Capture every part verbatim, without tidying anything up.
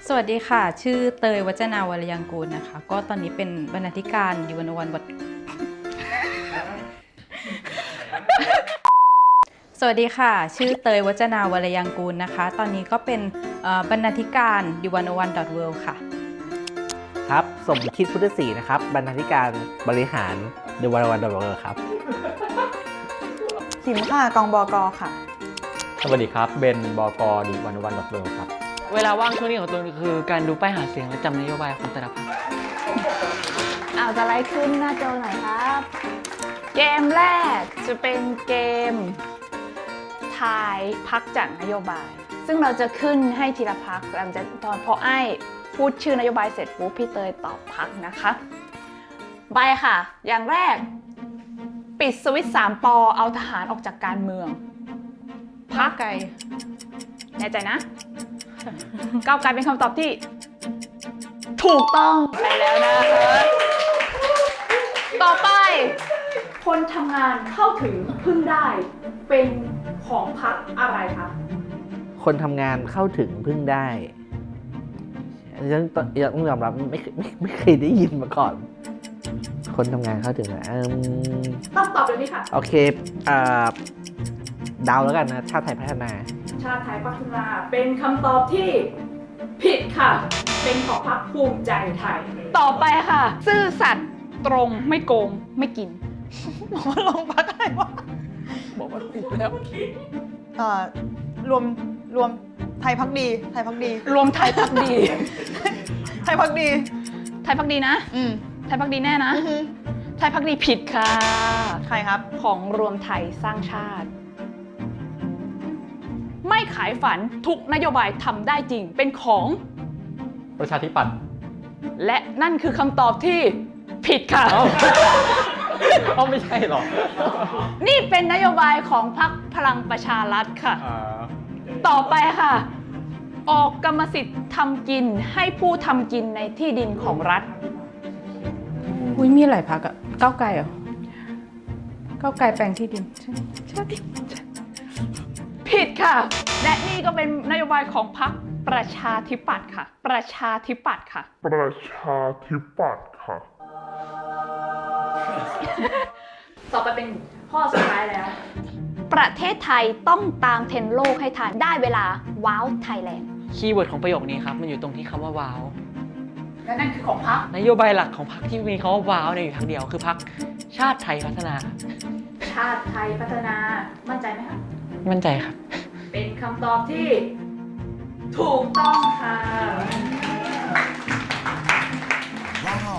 สวัสดีค่ะชื่อเตยวัจนาวรยังกูลนะคะก็ตอนนี้เป็นบรรณาธิการยูวันวันบทสวัสดีค่ะชื่อเตยวัจนาวรยังกูลนะคะตอนนี้ก็เป็นบรรณาธิการยูวันวันดอทเวิลด์ค่ะครับสมคิดพุทธศรีนะครับบรรณาธิการบริหารยูวันวันดอทเวิลด์ครับขิมค่ะกองบกค่ะสวัสดีครับเบนบกดีวันวันดอทเวิลด์ครับเวลาว่างช่วงนี้ของตัวคือการดูป้ายหาเสียงและจำนโยบายของแต่ละพรรคเอาจะไล่ขึ้นหน้าจอหน่อยครับ เกมแรกจะเป็นเกมทายพรรคจากนโยบายซึ่งเราจะขึ้นให้ทีละพรรคหลังจากตอนพอไอ้พูดชื่อนโยบายเสร็จปุ๊บพี่เตยตอบพรรคนะคะใบค่ะอย่างแรกปิดสวิตช์สามปอเอาทหารออกจากการเมืองพรรคไกลแน่ใจนะก้าวไกลเป็นคำตอบที่ถูกต้องไปแล้วนะคะต่อไปคนทำงานเข้าถึงพึ่งได้เป็นของพรรคอะไรคะคนทำงานเข้าถึงพึ่งได้ยังต้องยอมรับไม่ไม่ไม่เคยได้ยินมาก่อน คนทำงานเข้าถึงนะต้องตอบเลยนี่ค่ะโอเคอ่าดาวแล้วกันนะชาติไทยพัฒนาชาติไทยพัฒนาเป็นคำตอบที่ผิดค่ะเป็นของพรรคภูมิใจไทยต่อไปค่ะซื่อสัตย์ตรงไม่โกงไม่กินบอกว่าลงพรรคอะไรวะบอกว่าผิดแล้วเอ่อรวมรวมไทยพักดีไทยพักดีรวมไทยพักดีไทยพักดีไทยพักดีนะอืมไทยพักดีแน่นะไทยพักดีผิดค่ะใครครับของรวมไทยสร้างชาติไม่ขายฝันทุกนโยบายทำได้จริงเป็นของประชาธิปัตย์และนั่นคือคำตอบที่ผิดค่ะเอาไม่ใช่หรอนี่เป็นนโยบายของพรรคพลังประชารัฐค่ะต่อไปค่ะออกกรรมสิทธิ์ทำกินให้ผู้ทำกินในที่ดินของรัฐอุ้ยมีหลายพรรคอะก้าวไกลเหรอก้าวไกลแปลงที่ดินใช่ผิดค่ะและนี่ก็เป็นนโยบายของพรรคประชาธิปัตย์ค่ะประชาธิปัตย์ค่ะประชาธิปัตย์ค่ะต่อไปเป็นข้อสุดท้ายแล้วประเทศไทยต้องตามเทรนด์โลกให้ทันได้เวลาว้าวไทยแลนด์คีย์เวิร์ดของประโยคนี้ครับมันอยู่ตรงที่คำว่าว้าวและนั่นคือของพรรคนโยบายหลักของพรรคที่มีคำว่าว้าวเนี่ยอยู่ทางเดียวคือพรรคชาติไทยพัฒนาชาติไทยพัฒนามั่นใจไหมคะมั่นใจครับเป็นคำตอบที่ถูกต้องค่ะว้าว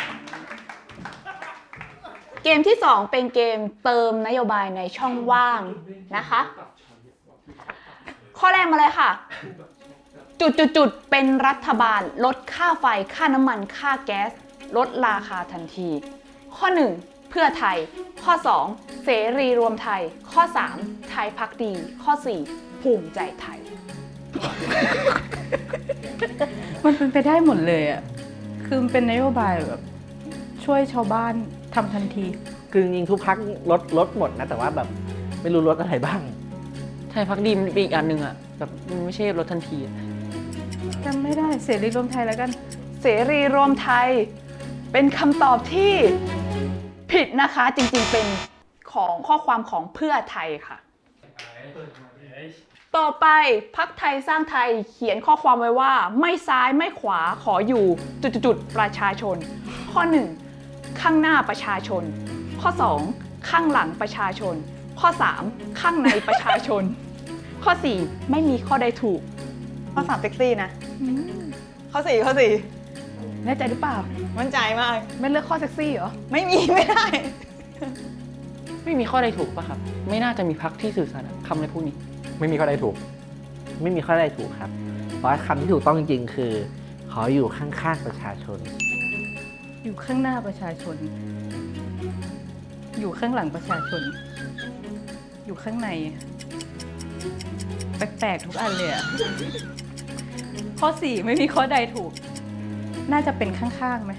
เกมที่สองเป็นเกมเติมนโยบายในช่องว่างนะคะข้อแรกมาเลยค่ะจุดๆๆเป็นรัฐบาลลดค่าไฟค่าน้ำมันค่าแก๊สลดราคาทันทีข้อหนึ่งเพื่อไทยข้อสองเสรีรวมไทยข้อสามไทยพักดีข้อสี่ภูมิใจไทยมันเป็นไปได้หมดเลยอ่ะคือมันเป็นนโยบายแบบช่วยชาวบ้านทำทันทีคือจริงๆทุกพรรคลดลดหมดนะแต่ว่าแบบไม่รู้ลดอะไรบ้างไทยพักดีมันเป็นอีกอันหนึ่งอ่ะแบบมันไม่ใช่ลดทันทีจำไม่ได้เสรีรวมไทยแล้วกันเสรีรวมไทยเป็นคำตอบที่ผิดนะคะจริงๆเป็นของข้อความของเพื่อไทยค่ะต่อไปพรรคไทยสร้างไทยเขียนข้อความไว้ว่าไม่ซ้ายไม่ขวาขออยู่จุดๆประชาชนข้อหนึ่งข้างหน้าประชาชนข้อสองข้างหลังประชาชนข้อสามข้างในประชาชนข้อสี่ไม่มีข้อใดถูกข้อสามเซ็กซี่นะข้อสี่ข้อสี่แน่ใจหรือเปล่ามั่นใจมากไม่เลือกข้อเซ็กซี่เหรอไม่มีไม่ได้ไม่มีข้อใดถูกป่ะครับไม่น่าจะมีพรรคที่สื่อสารคำอะไรพวกนี้ไม่มีข้อใดถูกไม่มีข้อใดถูกครับเพราะคำที่ถูกต้องจริงๆคือขออยู่ข้างๆประชาชนอยู่ข้างหน้าประชาชนอยู่ข้างหลังประชาชนอยู่ข้างในแปลกๆทุกอันเลยอะข้อสี่ไม่มีข้อใดถูกน่าจะเป็นข้างๆไหม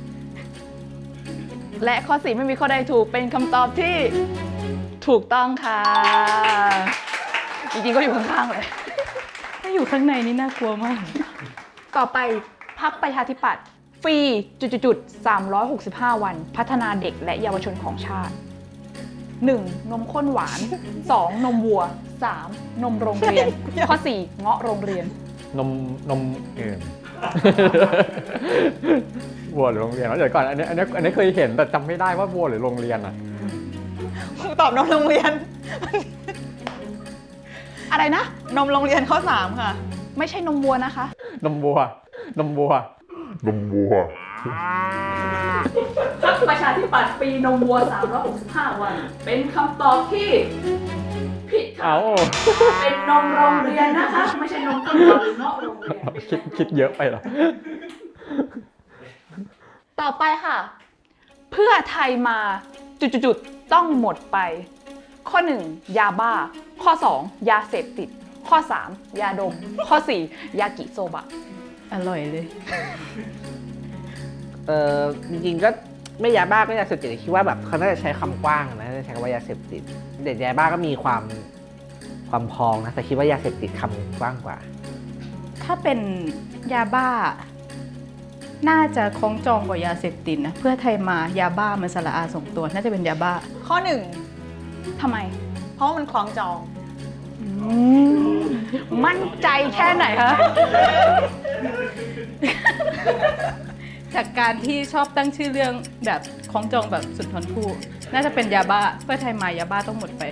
และข้อสี่ไม่มีข้อใดถูกเป็นคำตอบที่ถูกต้องค่ะจริงๆก็อยู่ข้างๆเลยถ้าอยู่ข้างในนี่น่ากลัวมากต่อไปพรรคประชาธิปัตย์ฟรีจุดๆๆสามร้อยหกสิบห้าวันพัฒนาเด็กและเยาวชนของชาติ หนึ่ง นมข้นหวาน สอง นมวัว สาม นมโรงเรียน ข้อ สี่ เงาะโรงเรียนนมนมเอิ่ม วัวหรือโรงเรียนแล้วเดี๋ยวก่อนอันนี้อันนี้อันนี้เคยเห็นแต่จำไม่ได้ว่าวัวหรือโรงเรียนอ่ะตอบนมโรงเรียนอะไรนะนมโรงเรียนข้อสามค่ะไม่ใช่นมวัวนะคะนมวัว นมวัวนมวัวพรรคประชาธิปัตย์ปีนมวัวสามร้อยหกสิบห้าวัน เป็นคำตอบที่ผิดค่ะเอาเป็นนมโรงเรียนนะคะ ไม่ใช่นมข้นหวานหรือเงาะโรงเรียนคิดคิดเยอะไปเหรอต่อไปค่ะ เพื่อไทยมาจุดๆๆต้องหมดไป ข้อ หนึ่ง ยาบ้า ข้อ สอง ยาเสพติด ข้อ สาม ยาดม ข้อ สี่ ยากิโซบะอร่อยเลยเออจริงๆก็ไม่ยาบ้าก็ยาเสพติดคิดว่าแบบเขาน่าจะใช้คำกว้างนะน่าจะใช้คำว่ายาเสพติดเด็กยาบ้าก็มีความความพองนะแต่คิดว่ายาเสพติดคำกว้างกว่าถ้าเป็นยาบ้า น่าจะคล้องจองกว่ายาเสพติดนะ เพื่อไทยมายาบ้ามันสละอาส่งตัว น่าจะเป็นยาบ้าข้อหนึ่งทำไมเพราะว่ามันคล้องจองมั่นใจแค่ไหนคะจากการที่ชอบตั้งชื่อเรื่องแบบคล้องจองแบบสุนทรภู่น่าจะเป็นยาบ้า เพื่อไทยมายาบ้าต้องหมดไป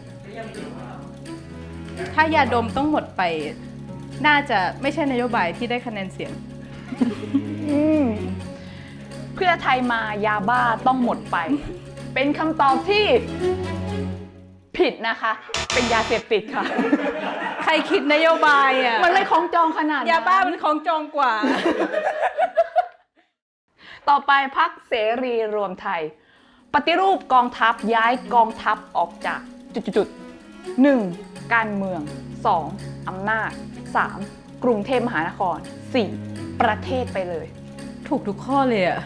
ถ้ายาดมต้องหมดไป น่าจะไม่ใช่นโยบายที่ได้คะแนนเสียงเพื่อไทยมายาบ้าต้องหมดไป เป็นคำตอบที่ผิดนะคะ เป็นยาเสพติดค่ะใครคิดนโยบายอ่ะมันไม่คล้องจองขนาดนั้นยาบ้ามันคล้องจองกว่าต่อไปพรรคเสรีรวมไทย ปฏิรูปกองทัพย้ายกองทัพออกจากจุดๆหนึ่ง การเมือง สอง อำนาจ สาม กรุงเทพมหานคร สี่ ประเทศไปเลยถูกทุกข้อเลยอ่ะ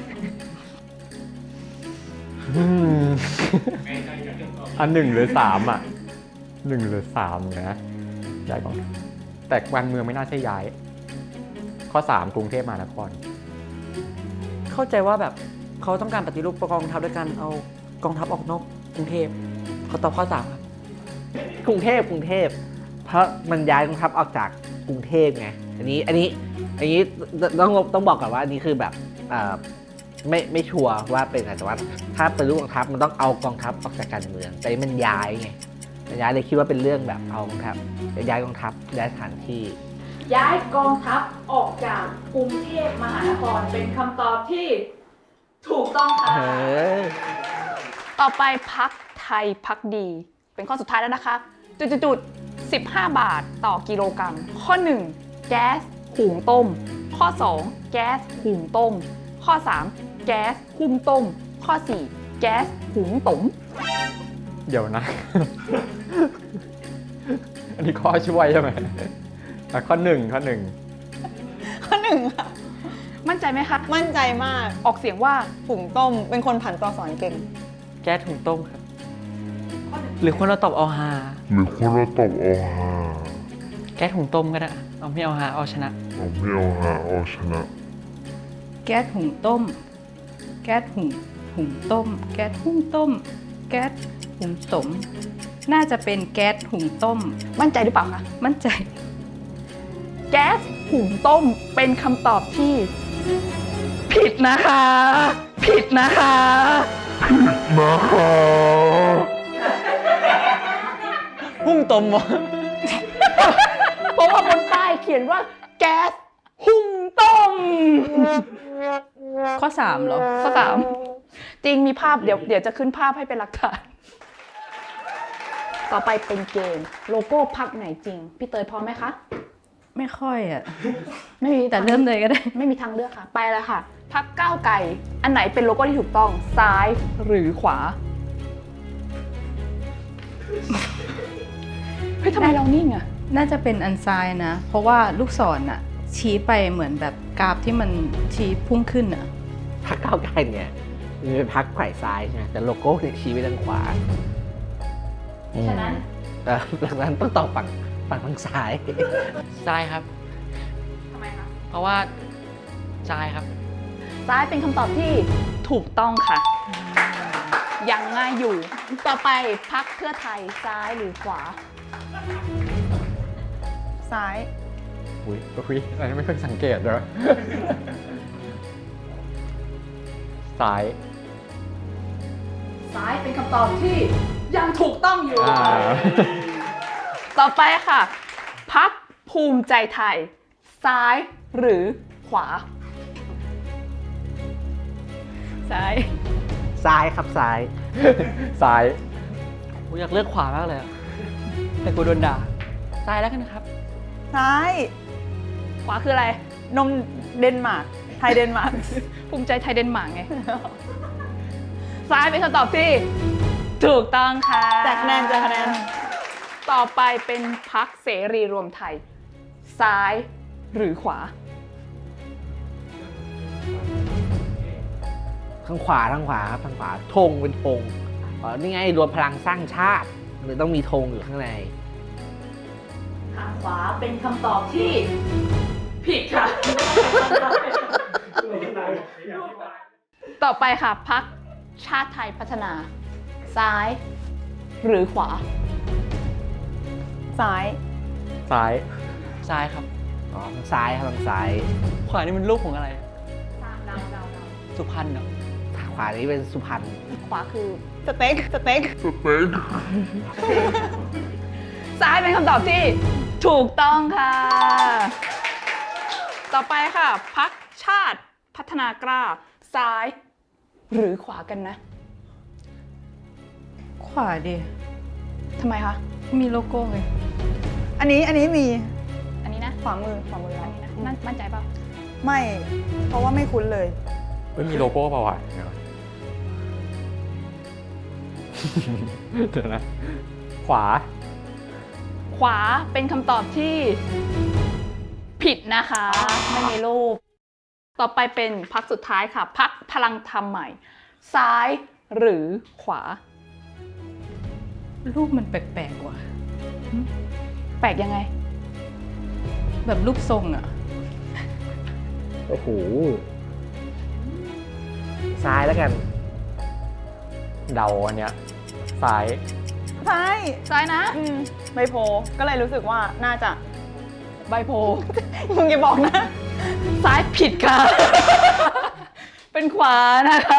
อันหนึ่งหรือสามอ่ะหนึ่งหรือสามนะย้ายกองทัพแต่การเมืองไม่น่าใช่ย้าย ข้อสามกรุงเทพมหานครเข้าใจว่าแบบเขาต้องการปฏิรูปกองทัพด้วยการเอากองทัพออกนอกกรุงเทพเขาตอบข้อสามครับกรุงเทพกรุงเทพเพราะมันย้ายกองทัพออกจากกรุงเทพไงอันนี้อันนี้อันนี้ต้องต้องบอกก่อนว่าอันนี้คือแบบเอ่อไม่ไม่ชัวร์ว่าเป็นไงแต่ว่าถ้าเป็นรูปกองทัพมันต้องเอากองทัพออกจากการเมืองแต่นี่มันย้ายไงมันย้ายเลยคิดว่าเป็นเรื่องแบบเอากองทัพย้ายกองทัพย้ายสถานที่ย้ายกองทัพออกจากกรุงเทพมหานครเป็นคำตอบที่ถูกต้องค่ะเออต่อไปพักไทยพักดี เป็นข้อสุดท้ายแล้วนะคะจุดๆสิบห้าบาทต่อกิโลกรัม ข้อ หนึ่ง แก๊สหุงต้ม ข้อ สอง แก๊สหุงต้ม ข้อ สาม แก๊สหุ้มต้ม ข้อ สี่ แก๊สหุงต้มเดี๋ยวนะ อันนี้ข้อช่วยใช่ไหมอ่ะข้อหนึ่งข้อหนึ่งข้อหนึ่งค่ะมั่นใจไหมคะมั่นใจมากออกเสียงว่าผุ่งต้ม เป็นคนผันตัวสอนเก่งแก๊สถุงต้มครับ หรือคนเราตอบเอาฮาหรือคนเราตอบเอาหาแก๊สถุงต้มก็ได้เอาไม่เอาฮาเอาชนะเอาไม่เอาหาเอาชนะแก๊สหุงต้ม แก๊สหุงหุงต้ม แก๊สหุงต้ม แก๊สหุงต้ม น่าจะเป็นแก๊สหุงต้มมั่นใจหรือเปล่าคะมั่นใจแก๊สหุงต้มเป็นคำตอบที่ ผิดนะคะ ผิดนะคะนะคะหุ้งต้มวะเพราะว่าบนป้ายเขียนว่าแก๊สหุงต้มข้อสามเหรอข้อสามจริงมีภาพเดี๋ยวเดี๋ยวจะขึ้นภาพให้เป็นหลักฐาน ต่อไปเป็นเกมโลโก้พักไหนจริง พี่เตยพร้อมไหมคะไม่ค่อยอ่ะไม่มีแต่เริ่มเลยก็ได้ไม่มีทางเลือกค่ะ ไปเลยค่ะ พักก้าวไกลอันไหนเป็นโลโก้ที่ถูกต้องซ้ายหรือขวา เฮ้ยทำไมเรานิ่งอะน่าจะเป็นอันซ้ายนะ เพราะว่าลูกศรอ่ะ ชี้ไปเหมือนแบบกราฟที่มันชี้พุ่งขึ้นอ่ะพรรคก้าวไกลเนี่ยมันเป็นพรรคฝ่ายซ้ายใช่ไหมแต่โลโก้เนี่ยชี้ไปทางขวาฉะนั้นเออหลังนั้นต้องตอบฝั่งฝั่งทางซ้ายซ้ายครับทำไมคะเพราะว่าซ้ายครับซ้ายเป็นคำตอบที่ถูกต้องค่ะ ยังง่ายอยู่ ต่อไปพรรคเพื่อไทยซ้ายหรือขวาซ้ายอุ้ยอุ้ยอันนี้ไม่เคยสังเกตเลย ซ้ายซ้ายเป็นคำตอบที่ยังถูกต้องอยู่อ่าต่อไปค่ะพรรคภูมิใจไทย ซ้ายหรือขวา ซ้ายซ้ายครับซ้ายซ้ายผมอยากเลือกขวามากเลยอะแต่กูโดนด่า ซ้ายแล้วกันครับซ้ายขวาคืออะไรนมเดนมาร์ก ไทยเดนมาร์กภูมิใจไทยเดนมาร์กไง ซ้ายเป็นคำตอบที่ถูกต้องค่ะแจกคะแนนแจกคะแนนต่อไปเป็นพรรคเสรีรวมไทย ซ้ายหรือขวาทางขวาทางขวาครับทางขวาธงเป็นธงอ๋อนี่ไงรวมพลังสร้างชาติมันต้องมีธงอยู่ข้างในทางขวาเป็นคำตอบที่ผิดค่ะ ต่อไปค่ะพรรคชาติไทยพัฒนา ซ้ายหรือขวาซ้ายซ้ายซ้ายครับอ๋อทางซ้ายครับทางซ้ายขวานี่มันรูปของอะไร สุพรรณเหรอทางขวานี้เป็นสุพรรณขวาคือสเต็ก สเต็กสเต็กซ้ายเป็นคำตอบที่ถูกต้องค่ะ ต่อไปค่ะพรรคชาติพัฒนากล้า ซ้ายหรือขวากันนะขวาดิทำไมคะมีโลโก้ไงอันนี้ อันนี้มีอันนี้นะขวามือ ขวามืออัเรานนี้นะนั่นมั่นใจเปล่าไม่ เพราะว่าไม่คุ้นเลยเฮ้ยมีโลโก้เปล่าวะเดี๋ยว เดี๋ยวนะ ขวาขวาเป็นคำตอบที่ผิดนะคะ ไม่มีรูป ต่อไปเป็นพรรคสุดท้ายค่ะพรรคพลังธรรมใหม่ ซ้ายหรือขวารูปมันแปลกๆว่ะแปลกยังไงแบบรูปทรงอ่ะโอ้โหซ้ายแล้วกันเดาอันเนี้ย ซ้ายซ้ายซ้ายนะอืมใบโพลก็เลยรู้สึกว่าน่าจะใบโพมึงอย่าบอกนะซ้ายผิดค่ะ เป็นขวานะคะ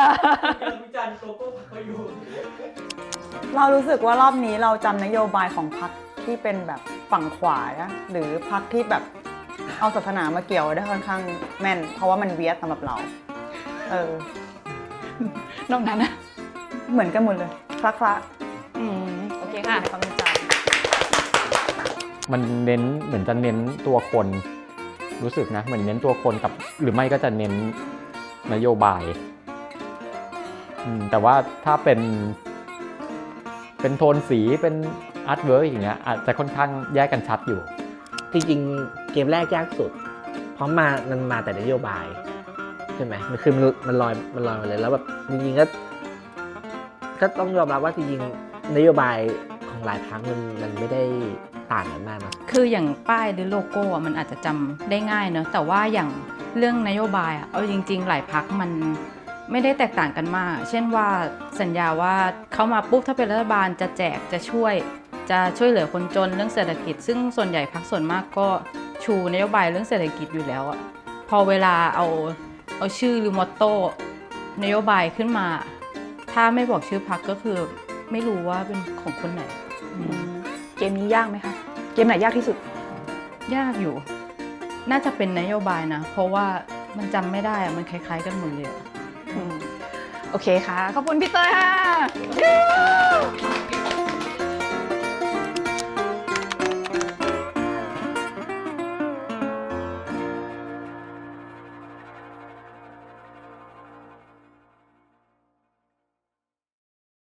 เรารู้สึกว่ารอบนี้เราจำนโยบายของพรรคที่เป็นแบบฝั่งขวานะหรือพรรคที่แบบเอาศาสนามาเกี่ยวได้ค่อนข้างแม่น เพราะว่ามันเวียดสำหรับเรา เออนอกนั้นนะเหมือนกันหมดเลย คละคละอืมโอเคค่ะในความจำมันเน้นเหมือนจะเน้นตัวคนรู้สึกนะเหมือนเน้นตัวคนกับหรือไม่ก็จะเน้นนโยบายอืมแต่ว่าถ้าเป็น เป็นโทนสีเป็นอาร์ตเวิร์กอย่างเงี้ยอาจจะค่อนข้างแยกกันชัดอยู่จริงๆ เกมแรกยากสุด เพราะมามันมาแต่นโยบายใช่ไหมมันคือมันมันลอยมันลอยมาเลยแล้วแบบจริงๆก็ก็ต้องยอมรับว่าจริงๆนโยบายของหลายพรรคมันมันไม่ได้ต่างกันมากนะคืออย่างป้ายหรือโลโก้อะมันอาจจะจำได้ง่ายเนอะแต่ว่าอย่างเรื่องนโยบายอะเอาจริง ๆ หลายพักมันไม่ได้แตกต่างกันมาก เช่นว่าสัญญาว่าเขามาปุ๊บถ้าเป็นรัฐบาลจะแจกจะช่วย จะช่วยเหลือคนจนเรื่องเศรษฐกิจ ซึ่งส่วนใหญ่พักส่วนมากก็ชูนโยบายเรื่องเศรษฐกิจอยู่แล้วอะพอเวลาเอาเอาชื่อหรือมอตโต้นโยบายขึ้นมา ถ้าไม่บอกชื่อพักก็คือไม่รู้ว่าเป็นของคนไหนเกมนี้ยากไหมคะ เกมไหนยากที่สุดยากอยู่ น่าจะเป็นนโยบายนะ เพราะว่ามันจำไม่ได้อะมันคล้ายๆกันหมดเลยอะโอเคค่ะ ขอบคุณพี่เตยค่ะ